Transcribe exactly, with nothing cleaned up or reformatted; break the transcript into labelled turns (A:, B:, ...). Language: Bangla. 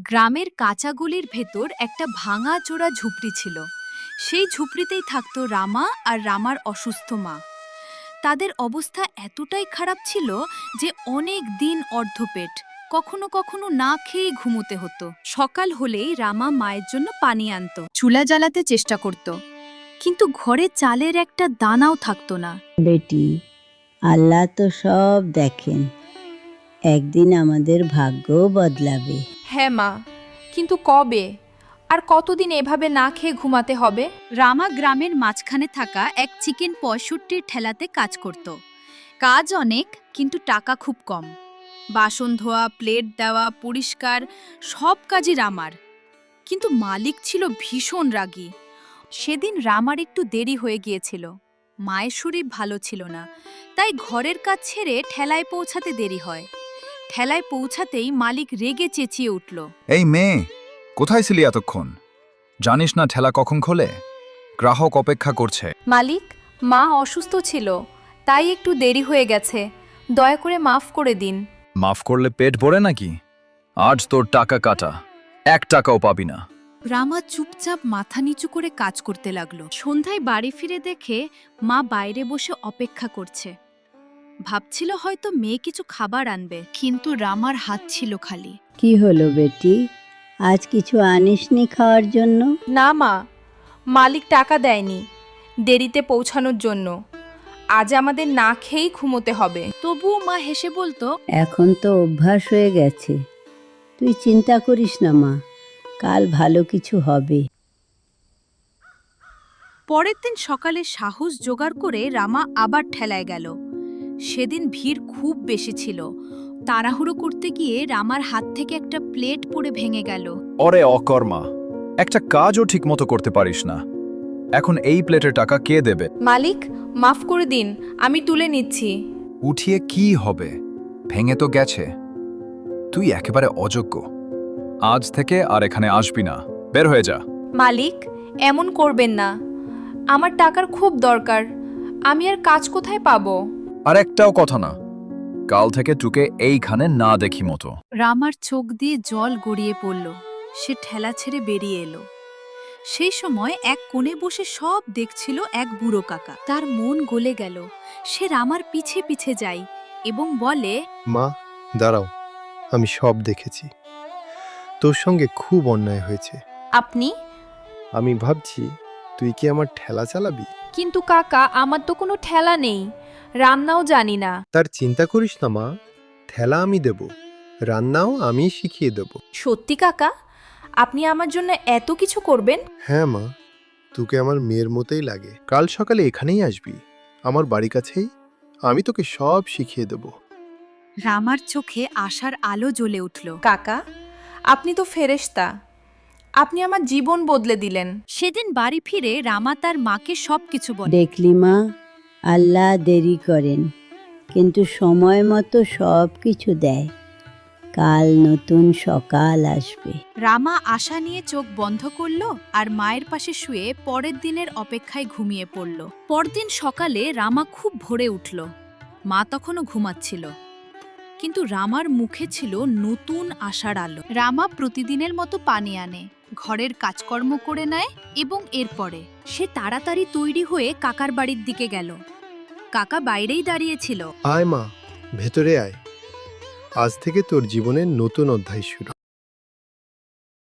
A: গ্রামের কাঁচা গলির ভেতর একটা ভাঙা চোরা ঝুপড়ি ছিল। সেই ঝুপড়িতেই থাকতো রামা আর রামার অসুস্থ মা। তাদের অবস্থা এতটাই খারাপ ছিল যে অনেক দিন অর্ধপেট, কখনো কখনো না খেয়েই ঘুমোতে হতো। সকাল হলেই রামা মায়ের জন্য পানি আনতো, চুলা জ্বালাতে চেষ্টা করত, কিন্তু ঘরে চালের একটা দানাও থাকতো না।
B: বেটি, আল্লাহ তো সব দেখেন, একদিন আমাদের ভাগ্যও বদলাবে।
C: হ্যাঁ মা, কিন্তু কবে আর কতদিন এভাবে না খেয়ে ঘুমাতে হবে?
A: রামা গ্রামের মাঝখানে থাকা এক চিকেন পঁয়ষট্টির ঠেলাতে কাজ করত। কাজ অনেক, কিন্তু টাকা খুব কম। বাসন ধোয়া, প্লেট দেওয়া, পরিষ্কার সব কাজই রামার। কিন্তু মালিক ছিল ভীষণ রাগী। সেদিন রামার একটু দেরি হয়ে গিয়েছিল। মায়ের শরীর ভালো ছিল না, তাই ঘরের কাজ ছেড়ে ঠেলায় পৌঁছাতে দেরি হয়। ঠেলায় পৌঁছাতেই মালিক রেগে চেঁচিয়ে উঠল,
D: এই মেয়ে, কোথায় ছিলি এতক্ষণ? জানিস না ঠেলা কখন খোলে? গ্রাহক অপেক্ষা করছে।
C: মালিক, মা অসুস্থ ছিল, তাই একটু দেরি হয়ে গেছে, দয়া করে মাফ করে দিন।
D: মাফ করলে পেট ভরে নাকি? আজ তোর টাকা কাটা, এক টাকাও পাবি না।
A: রামা চুপচাপ মাথা নিচু করে কাজ করতে লাগলো। সন্ধ্যায় বাড়ি ফিরে দেখে মা বাইরে বসে অপেক্ষা করছে। ভাবছিল হয়তো মেয়ে কিছু খাবার আনবে, কিন্তু রামার হাত ছিল খালি।
B: কি হলো বেটি, আজ কিছু আনিসনি খাওয়ার জন্য?
C: না মা, মালিক টাকা দেয়নি দেরিতে পৌঁছানোর জন্য। আজ আমাদের না খেয়েই ঘুমোতে হবে।
A: তবুও মা হেসে বলতো,
B: এখন তো অভ্যাস হয়ে গেছে, তুই চিন্তা করিস না মা, কাল ভালো কিছু হবে।
A: পরের দিন সকালে সাহস জোগাড় করে রামা আবার ঠেলায় গেল। সেদিন ভিড় খুব বেশি ছিল। তাড়াহুড়ো করতে গিয়ে রামার হাত থেকে একটা প্লেট পড়ে ভেঙে গেল।
D: ওরে অকর্মা, একটা কাজও ঠিক মতো করতে পারিস না। এখন এই প্লেটের টাকা কে দেবে?
C: মালিক, মাফ করে দিন, আমি তুলে নিচ্ছি।
D: উঠিয়ে কি হবে? ভেঙে তো গেছে। তুই একেবারে অযোগ্য। আজ থেকে আর এখানে আসবি না, বের হয়ে যা।
C: মালিক, এমন করবেন না, আমার টাকার খুব দরকার, আমি আর কাজ কোথায় পাবো?
D: আর একটাও কথা না, কাল থেকে তোকে এইখানে না দেখি মতো।
A: রামার চোখ দিয়ে জল গড়িয়ে পড়ল। সে ঠেলা ছেড়ে বেরিয়ে এলো। সেই সময় এক কোণে বসে সব দেখছিল এক বুড়ো কাকা। তার মন গলে গেল। সে রামার পিছে পিছে যায় এবং বলে,
E: মা, দাঁড়াও, আমি সব দেখেছি। তোর সঙ্গে খুব অন্যায় হয়েছে।
C: আপনি?
E: আমি ভাবছি তুই কি আমার ঠেলা চালাবি?
C: কিন্তু কাকা, আমার তো কোনো ঠেলা নেই, রান্নাও জানি না।
E: তার চিন্তা করিস না মা, ঠেলা আমি দেব, রান্নাও আমি শিখিয়ে দেব।
C: সত্যি কাকা, আপনি আমার জন্য এত কিছু করবেন?
E: হ্যাঁ মা, তোকে আমার মেয়ের মতোই লাগে। কাল সকালে এখানেই আসবি, আমার বাড়ি কাছেই, আমি তোকে সব শিখিয়ে দেব।
A: রামার চোখে আশার আলো জ্বলে উঠল।
C: কাকা, আপনি তো ফেরেশতা, আপনি আমার জীবন বদলে দিলেন।
A: সেদিন বাড়ি ফিরে রামা তার মাকে সবকিছু বলে।
B: দেখলি মা, আল্লাহ দেরি করেন, কিন্তু সময় মতো সব কিছু দেয়। কাল নতুন সকাল আসবে।
A: রামা আশা নিয়ে চোখ বন্ধ করল আর মায়ের পাশে শুয়ে পরের দিনের অপেক্ষায় ঘুমিয়ে পড়ল। পরদিন সকালে রামা খুব ভোরে উঠল। মা তখনও ঘুমাচ্ছিল, কিন্তু রামার মুখে ছিল নতুন আশার আলো। রামা প্রতিদিনের মতো পানি আনে, ঘরের কাজকর্ম করে নেয় এবং এরপরে সে তাড়াতাড়ি তৈরি হয়ে কাকার বাড়ির দিকে গেল। কাকা বাইরেই দাঁড়িয়েছিল।
E: আয় মা, ভেতরে আয়, আজ থেকে তোর জীবনের নতুন অধ্যায় শুরু।